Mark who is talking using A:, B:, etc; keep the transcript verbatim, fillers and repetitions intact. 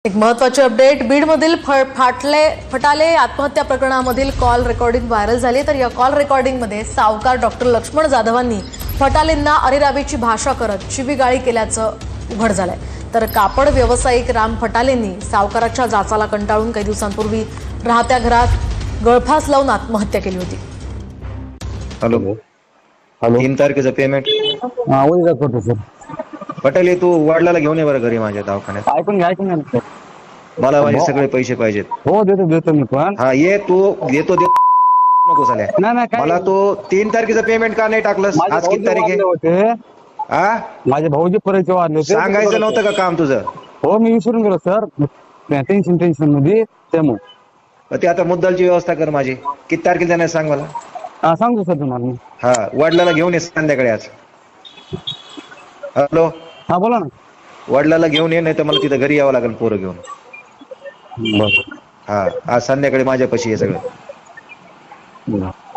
A: एक महत्त्वाची अपडेट बीडमधील फाटले फटाले आत्महत्या प्रकरणामधील कॉल रेकॉर्डिंग व्हायरल झाली। तर या कॉल रेकॉर्डिंगमध्ये सावकार डॉक्टर लक्ष्मण जाधवांनी फटालेंना अरेरावीची भाषा करत शिवीगाळी केल्याचं उघड झालंय। तर कापड व्यावसायिक राम फटालेंनी सावकाराच्या जाचाला कंटाळून काही दिवसांपूर्वी राहत्या घरात गळफास लावून आत्महत्या केली होती।
B: हॅलो
C: हॅलो
B: तीन तारखेचं पेमेंट
C: हा उद्या करतो सर.
B: पटेल तू वडिलाला घेऊन ये बरं घरी माझ्या दवाखान्यात।
C: ऐकून घ्या ऐकून घ्या सर.
B: मला माझे सगळे पैसे पाहिजेत।
C: हो देतो देतो मी पण.
B: हा ये तू देतो देतो नको झाल्या
C: नाही नाही काय
B: मला तो तीन तारखेचं पेमेंट का नाही टाकलंस?
C: माझे
B: आज किती
C: भाऊजी
B: तारीख
C: वारले
B: आहे?
C: होते
B: हा
C: माझे भाऊजी परिचय वाढले होते.
B: सांगायचं नव्हतं का काम तुझं?
C: हो मी विसरून गेलो सर. टेन्शन टेन्शन मध्ये त्यामुळे
B: मग ते आता मुद्दलची व्यवस्था कर माझी। किती तारखेला जाणार सांग मला।
C: हा सांगतो सर तुम्हाला मी.
B: हा वडिलाला घेऊन ये संध्याकाळी आज। हॅलो
C: हा बोला ना.
B: वडिलाला घेऊन ये, नाही तर मला तिथं घरी यावं लागेल पोरं घेऊन।
C: बरं
B: हा आज संध्याकाळी माझ्यापाशी हे सगळं।
C: बरं